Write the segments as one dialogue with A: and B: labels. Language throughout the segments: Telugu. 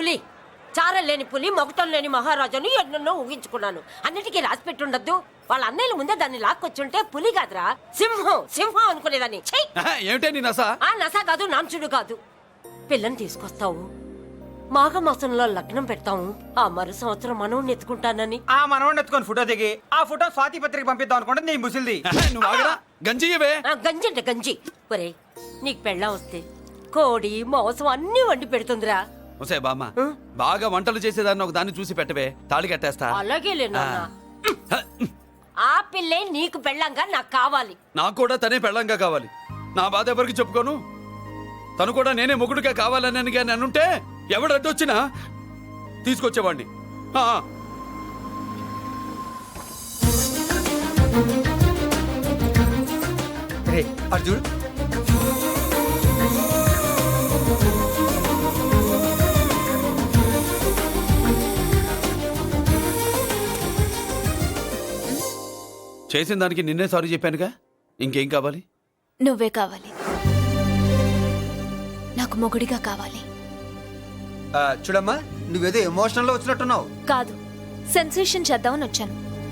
A: పులి, చారలేని పులి, మొగటం లేని మహారాజుని ఎన్నెన్నో ఊహించుకున్నాను. అన్నిటికీ రాసి పెట్టుండద్దు. వాళ్ళ అన్నయ్యల ముందే దాన్ని లాక్కొచ్చుంటే పులి కాదురా, సింహం సింహం అనుకునేదాన్ని.
B: ఏమిటే నీ నస?
A: ఆ నస కాదు, నాంచుడు కాదు. పిల్లని తీసుకొస్తావు, మాఘమాసంలో లగ్నం పెడతాము, ఆ మరు సంవత్సరం మనవుని ఎత్తుకుంటానని.
C: ఆ మనవడిని ఎత్తుకొని ఫోటో దిగి ఆ ఫోటో స్వాతి పత్రిక పంపిద్దాం అనుకుంటే నీ ముసిల్ది.
B: నువ్వు ఆగరా, గంజి ఇవే.
A: గంజి అంటే గంజి. ఒరే, నీకు పెళ్ళం వస్తే కోడి మాంసం అన్ని వండి పెడుతుందిరా.
B: ఒసే బామ్మ, బాగా వంటలు చేసేదాన్ని ఒక దాన్ని చూసి పెట్టవే, తాళి కట్టేస్తా.
A: అలాగే లేనా? ఆ పిల్లే నీకు పెళ్ళంగా నాకు కావాలి.
B: నాకు కూడా తనే పెళ్ళంగా కావాలి. నా బాధ ఎవరికి చెప్పుకోను. తను కూడా నేనే మొగుడుగా కావాలని కానీ అనుంటే ఎవడు అడ్డొచ్చినా తీసుకొచ్చేవాడిని.
C: అర్జున్
B: చేసిన దానికి నిన్నే సారీ చెప్పానుగా, ఇంకేం కావాలి?
D: నువ్వే కావాలి, నాకు మొగుడిగా కావాలి.
C: చూడమ్మా, నువ్వేదో ఎమోషనల్ లో వచ్చినట్టున్నావు.
D: కాదు, సెన్సేషన్ చేద్దామని వచ్చాను.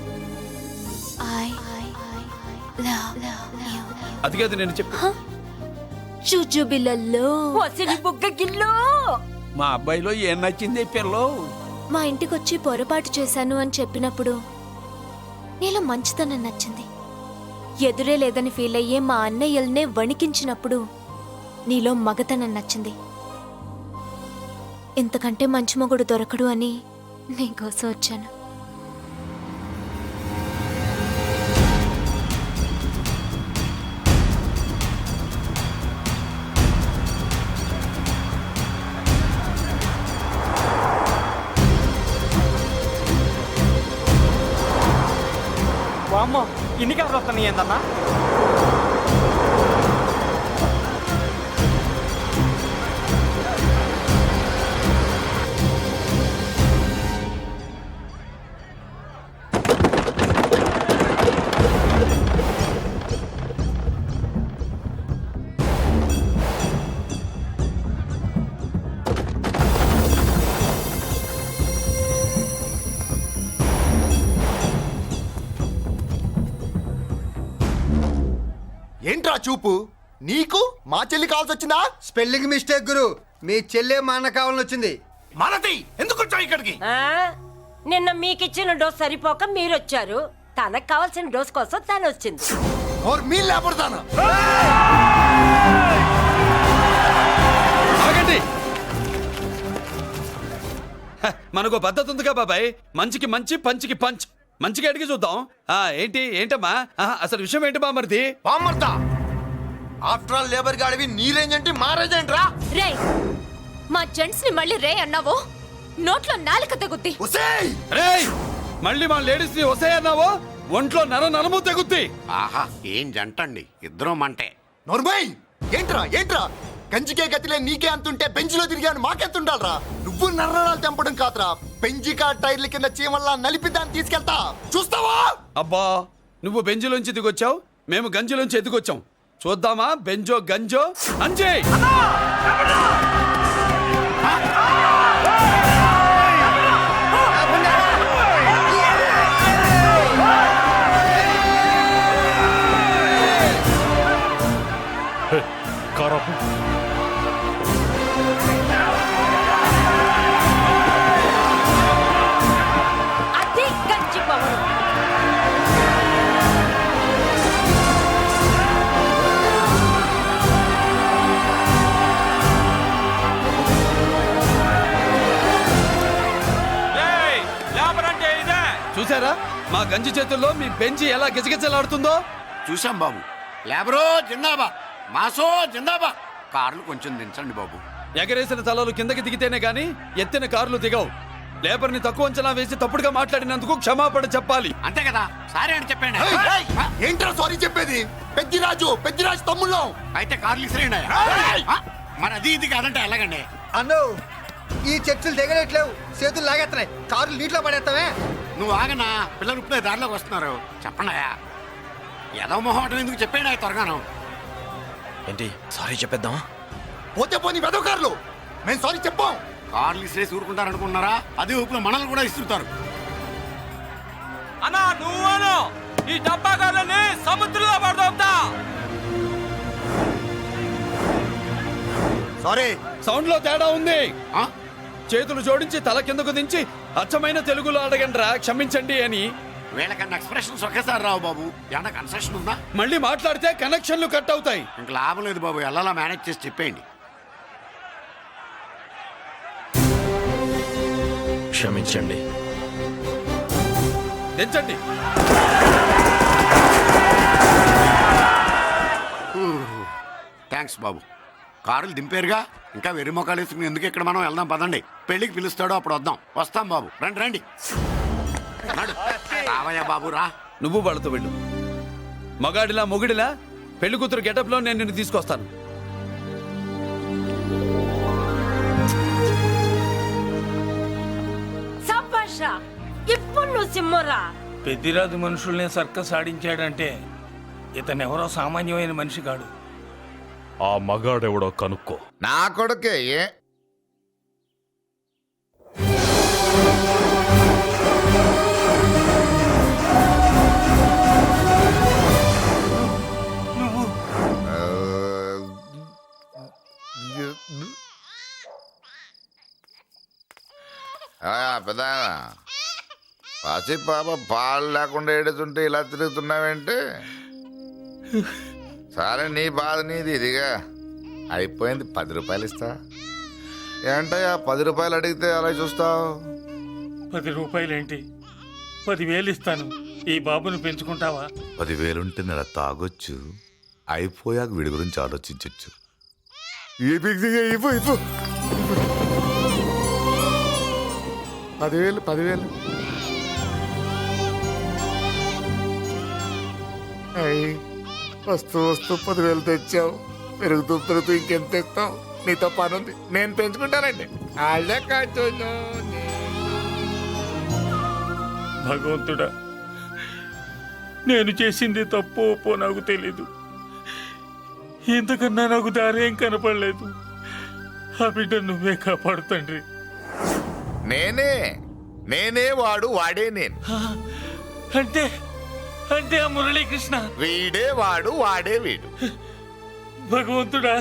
B: అది కాదు నేను చెప్పి.
D: చుజుబిలలో
A: వసిని బుగ్గ గిల్లో.
E: మా అబ్బాయిలో ఏం నచ్చింది పిల్లో?
D: మా ఇంటికొచ్చి పొరపాటు చేశాను అని చెప్పినప్పుడు నీలో మంచితనం నచ్చింది. ఎదురే లేదని ఫీల్ అయ్యే మా అన్నయ్యల్నే వణికించినప్పుడు నీలో మగతనం నచ్చింది. ఇంతకంటే మంచి మొగుడు దొరకడు అని నీకోసం వచ్చాను.
C: అమ్మో, ఇన్ని కబుర్లు వస్తున్నాయి ఏందన్నా?
F: ఏంట్రా చూపు? నీకు మా చెల్లి కావాల్సి వచ్చిందా?
G: స్పెల్లింగ్ మిస్టేక్ గురు, మీ చెల్లె మా అన్న కావాలని వచ్చింది.
F: మనది ఎందుకు వచ్చావు ఇక్కడికి?
A: నిన్న మీకిచ్చిన డోస్ సరిపోక మీరొచ్చారు. తనకు కావాల్సిన డోస్ కోసం తను వచ్చింది.
F: మీ లేపడతాను.
B: ఆగండి. మనకు పద్ధతి ఉందిగా బాబాయ్, మంచికి మంచి, పంచికి పంచ్. మంచిగా అడిగి చూద్దాం. ఏంటమ్మా అసలు విషయం ఏంటి బామర్ది?
F: బామ్మర్దా, ఆఫ్టర్ ఆల్ లేబర్ గాడివి నీ రేంజ్ ఏంటి, మా రేంజ్ ఏంట్రా?
D: రే, మా జెంట్స్ ని మళ్ళీ రే అన్నావో నోట్లో నాలుక తెగుద్ది.
B: రేయ్, మళ్ళీ మా లేడీస్ ని వసే అన్నావో ఒంట్లో నరము తెగుద్ది.
H: ఆహా, ఏం జంటండి, ఇద్దరం మంటే.
F: నోర్మై, ఏంట్రా ఏంట్రా? గంజికే గతిలే నీకే అంతుంటే బెంచ్లో తిరిగాను మాకెంతుండాలరా? నువ్వు నర్రాలు తెంపడం కాదురా, బెంజికా టైర్ల కింద చీమల్లా నలిపి దాన్ని తీసుకెళ్తా, చూస్తావా?
B: అబ్బా, నువ్వు బెంజులోంచి దిగొచ్చావు, మేము గంజిలోంచి ఎదిగొచ్చాం. చూద్దామా బెంజో గంజో అంజే.
A: అది గంజి పవరు.
B: చూసారా మా గంజి చేతుల్లో మీ బెంజి ఎలా గిజగిజలాడుతుందో?
H: చూసాం బాబు. లేబరో జిందాబా, మాసో జిందాబా. కార్లు కొంచెం దించండి బాబు.
B: ఎగరేసిన తలలు కిందకి దిగితేనే గాని ఎత్తిన కార్లు దిగవు. లేబర్ ని తక్కువ అంచనా వేసి తప్పుడుగా మాట్లాడినందుకు క్షమాపణ చెప్పాలి.
H: అంతే కదా, సారీ అని చెప్పండి.
F: ఏంట్రా సారీ చెప్పేది? పెద్దిరాజు తమ్ముళ్ళం.
H: అయితే కార్లు ఇసిరేయండి. మరి అది ఇది కాదంటే ఎలాగండి?
G: అన్నో, ఈ చర్చలు దిగలేట్లేవు, చేతులు లాగేస్తున్నాయి, కారులు నీటిలో పడేస్తావే.
H: నువ్వు ఆగనా, పిల్లలు ఇప్పుడే దారిలోకి వస్తున్నారు. చెప్పండి, ఏదో మొహం ఎందుకు చెప్పండి త్వరగాను.
E: ఏంటి సారీ చెప్పేద్దామా?
F: పోతే పోనీ వెదవ కార్లు, మేము సారీ చెప్పాం.
H: కార్లు ఇసిరేసి ఊరుకుంటారనుకున్నారా? అదే ఊపులో మనల్ని కూడా ఇస్తుంటారు.
E: అన్నా నువ్వును ఈ డబ్బా గాలని సముద్రంలో పడదోపుతా.
F: సారీ.
B: సౌండ్ లో తేడా ఉంది.
H: ఆ?
B: చేతులు జోడించి తల కిందకు దించి అచ్చమైన తెలుగులో అడగండ్రా క్షమించండి అని.
H: వీళ్ళకన్నా ఎక్స్ప్రెషన్స్ ఒకేసారి రావు బాబు. ఏమన్నా కన్సెషన్ ఉందా?
B: మళ్ళీ మాట్లాడితే కనెక్షన్లు కట్ అవుతాయి.
H: ఇంక లాభం లేదు బాబు, ఎలా మేనేజ్ చేసి చెప్పేయండి.
I: క్షమించండి.
B: దించండి.
H: థ్యాంక్స్ బాబు. కారులు దింపారుగా, ఇంకా వెర్రి మొక్కలు వేసుకుని ఎందుకు ఇక్కడ మనం వెళ్దాం పదండి. పెళ్లికి పిలుస్తాడో అప్పుడు వద్దాం. వస్తాం బాబు, రండి రండి. నడు. రావయ్యా బాబు రా.
B: నువ్వు వాళ్ళతో వెళ్ళు. మగాడిలా మొగుడిలా పెళ్లి కూతురు గెటప్ లో నేను నిన్ను తీసుకొస్తాను.
A: సభాషా, ఇప్పుడు నువ్వు సింహరా.
E: పెద్దిరాజు మనుషుల్ని సర్కస్ ఆడించాడంటే ఇతనెవరో సామాన్యమైన మనిషి కాడు.
I: ఆ మగాడెవడో కనుక్కో.
J: నా కొడుకే పెద్ద పసి పాప పాలు లేకుండా ఏడుతుంటే ఇలా తిరుగుతున్నావేంటి? సరే నీ బాధ నీది, ఇదిగా అయిపోయింది. 10 రూపాయలు ఇస్తా. ఏంటయ్యా 10 రూపాయలు అడిగితే అలా చూస్తావు?
E: 10 రూపాయలేంటి, 10,000 ఇస్తాను. ఈ బాబుని పెంచుకుంటావా?
J: 10,000 ఉంటే నెల తాగొచ్చు, అయిపోయాక వీడి గురించి ఆలోచించవచ్చు. 10,000 వస్తూ 10,000 తెచ్చావు. పెరుగుతూ ఇంకెంత తెస్తావు? నీతో పని ఉంది, నేను పెంచుకుంటానండి. వాళ్ళే కాచు.
E: భగవంతుడా, నేను చేసింది తప్పు ఒప్పో నాకు తెలీదు. ఇంతకన్నా నాకు దారేం కనపడలేదు. ఆ బిడ్డ నువ్వే కాపాడు తండ్రి.
J: నేనే వాడు, వాడే నేను.
E: అంటే అంటే ఆ మురళీకృష్ణ
J: వీడే వాడు, వాడే వీడు.
E: భగవంతుడా,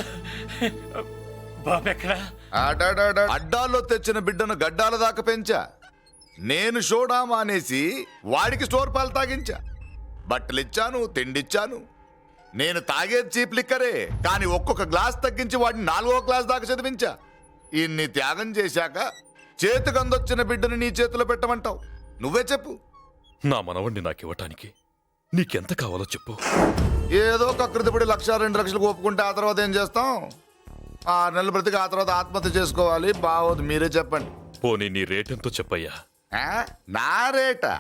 E: బాబెక్కడా?
J: అడ్డాల్లో తెచ్చిన బిడ్డను గడ్డాల దాకా పెంచా. నేను షోడా మానేసి వాడికి స్టోర్ పాలు తాగించా. బట్టలిచ్చాను, తిండిచ్చాను. నేను తాగేది చీప్ లిక్కరే, కానీ ఒక్కొక్క గ్లాస్ తగ్గించి వాడిని 4వ క్లాస్ దాకా చదివించా. ఇన్ని త్యాగం చేశాక చేతికి అందొచ్చిన బిడ్డను నీ చేతిలో పెట్టమంటావు? నువ్వే చెప్పు.
I: నా మనవణ్ణి నాకివ్వటానికి నీకెంత కావాలో చెప్పు.
J: ఏదో కకృతిపడి 1,00,000 2 లక్షలకు ఒప్పుకుంటే ఆ తర్వాత ఏం చేస్తాం? 6 నెలలు బ్రతికి ఆ తర్వాత ఆత్మహత్య చేసుకోవాలి. బాగోదు, మీరే చెప్పండి.
I: పోనీ నీ రేటెంతో చెప్పయ్యా.
J: నా రేటా?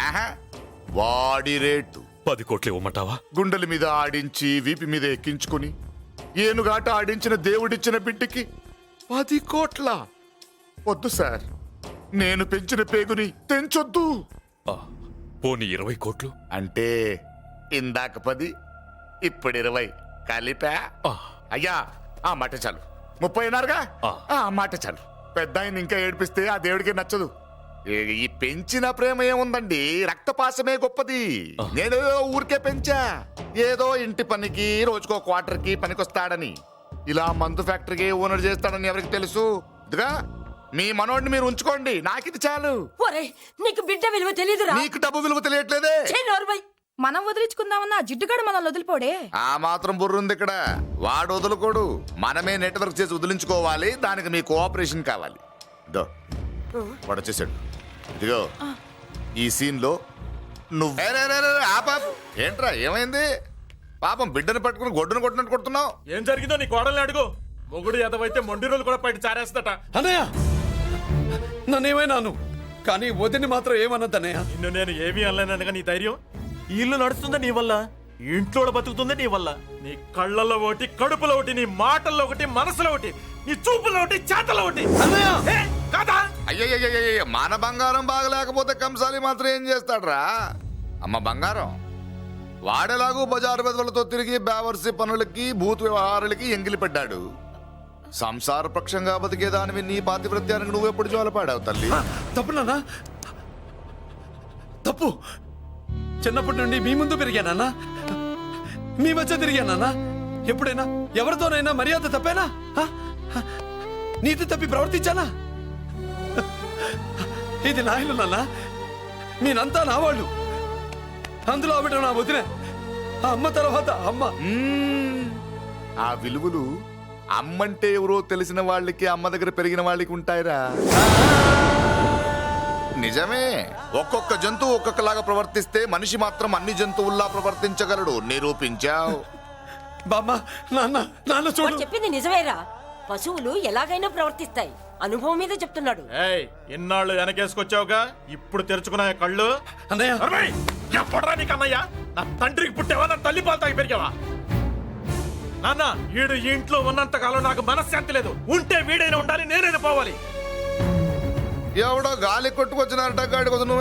J: వాడి రేటు
I: 10 కోట్లు ఇవ్వమంటావా?
J: గుండెల మీద ఆడించి వీపి మీద ఎక్కించుకుని ఏనుగాట ఆడించిన దేవుడిచ్చిన బిడ్డకి 10 కోట్ల? వద్దు సార్, నేను పెంచిన పేగుని తెంచొద్దు.
I: పోనీ 20 కోట్లు?
J: అంటే ఇందాక 10, ఇప్పుడు 20 కలిపా? అయ్యా ఆ మాట చాలు. 30 అన్నారుగా, ఆ మాట చాలు. పెద్ద ఆయన ఇంకా ఏడిపిస్తే ఆ దేవుడికి నచ్చదు. ఈ పెంచిన ప్రేమ ఏముందండి, రక్తపాసమే గొప్పది. నేను ఊరికే పెంచా, ఏదో ఇంటి పనికి రోజుకో క్వార్టర్కి పనికొస్తాడని. ఇలా మందు ఫ్యాక్టరీకి ఓనర్ చేస్తాడని ఎవరికి తెలుసు? ఇదిగా మీ మనోడిని మీరు ఉంచుకోండి, నాకిది చాలు.
A: నీకు బిడ్డ విలువ తెలియదురా?
J: నీకు డబ్బు విలువ తెలియట్లేదే.
K: మనం వదిలించుకుందామన్నా జిడ్డుగాడు మనల్ని వదిలిపోడే.
J: ఆ మాత్రం బుర్రుంది ఇక్కడ. వాడు వదులుకోడు, మనమే నెట్వర్క్ చేసి వదిలించుకోవాలి. దానికి మీ కోఆపరేషన్ కావాలి. ఇదో వాడు వచ్చేసాడు. ఇదిగో ఈ సీన్ లో నువ్వు ఏంట్రా, ఏమైంది? పాపం బిడ్డను పట్టుకుని గొడ్డును కొట్టినట్టు కొడుతున్నావు.
I: ఏం జరిగిందో నీ కోడల్ని అడుగు. మొగుడు ఎదవైతే మొండి రోజులు కూడా బయట చారేస్తట.
B: అన్నయ్య, నన్నేమైనాను కానీ వదిని మాత్రం ఏమన్నదన్నయ్య?
I: నిన్ను నేను ఏమీ అనలేనగా నీ ధైర్యం. ఈ ఇల్లు నడుస్తుందా నీ వల్ల, ఇంట్లో బతుకుతుందా నీ వల్ల. నీ కళ్ళల్లో ఒకటి, కడుపులో ఒకటి, నీ మాటల్లో ఒకటి, మనసులో ఒకటి, నీ చూపులో ఒకటి, చేతల్లో ఒకటి. కాదా?
J: అయ్యయ్యయ్యయ్య, మన బంగారం బాగలేకపోతే కంసాలి మాత్రం ఏం చేస్తాడ్రా? అమ్మ బంగారం వాడేలాగూ బజారు బెదవులతో తిరిగి బేవర్సి పనులకి భూత వ్యవహారాలకి ఎంగిలి పడ్డాడు. సంసార పక్షంగా బతికేదానివి నీ పాతివృత్యానికి నువ్వెప్పుడు జోలపాడావు తల్లి?
B: తప్పు నాన్న, తప్పు. చిన్నప్పటి నుండి మీ ముందు పెరిగానన్నా, మీ మధ్య తిరిగానన్నా. ఎప్పుడైనా ఎవరితోనైనా మర్యాద తప్పేనా? నీతి తప్పి ప్రవర్తించానా? ఇది నా ఇల్లు నాన్న, నేనంతా నా వాళ్ళు. అందులో ఆవిడ నా వదిలే, ఆ అమ్మ తర్వాత అమ్మ.
J: ఆ విలువలు అమ్మంటే ఎవరో తెలిసిన వాళ్ళకి, అమ్మ దగ్గర పెరిగిన వాళ్ళకి ఉంటాయిరా. నిజమే, ఒక్కొక్క జంతువు ఒక్కొక్కలాగా ప్రవర్తిస్తే మనిషి మాత్రం అన్ని జంతువుల్లా ప్రవర్తించగలడు. నిరూపించావు.
B: బామ్మ, నాన్న, నాన్న చూడు.
A: వాడు చెప్పింది నిజమేరా. పశువులు ఎలాగైనా ప్రవర్తిస్తాయి. అనుభవం మీద చెప్తున్నాడు.
I: ఏయ్, ఇన్నాళ్ళు వెనకేసుకొచ్చావుగా, ఇప్పుడు తెరుచుకున్నా కళ్ళు.
B: అన్నయ్య,
I: అరవై! ఎప్పుడురా నీకు అన్నయ్య? నా తండ్రికి పుట్టావా, నా తల్లి పాలు తాగి పెరిగావా? నాన్న, వీడు ఈ ఇంట్లో ఉన్నంత కాలం నాకు మనశ్శాంతి లేదు. ఉంటే వీడైనా ఉండాలి, నేనైనా పోవాలి.
J: ఎవడో గాలి కొట్టుకొచ్చినారట గాడి కోసం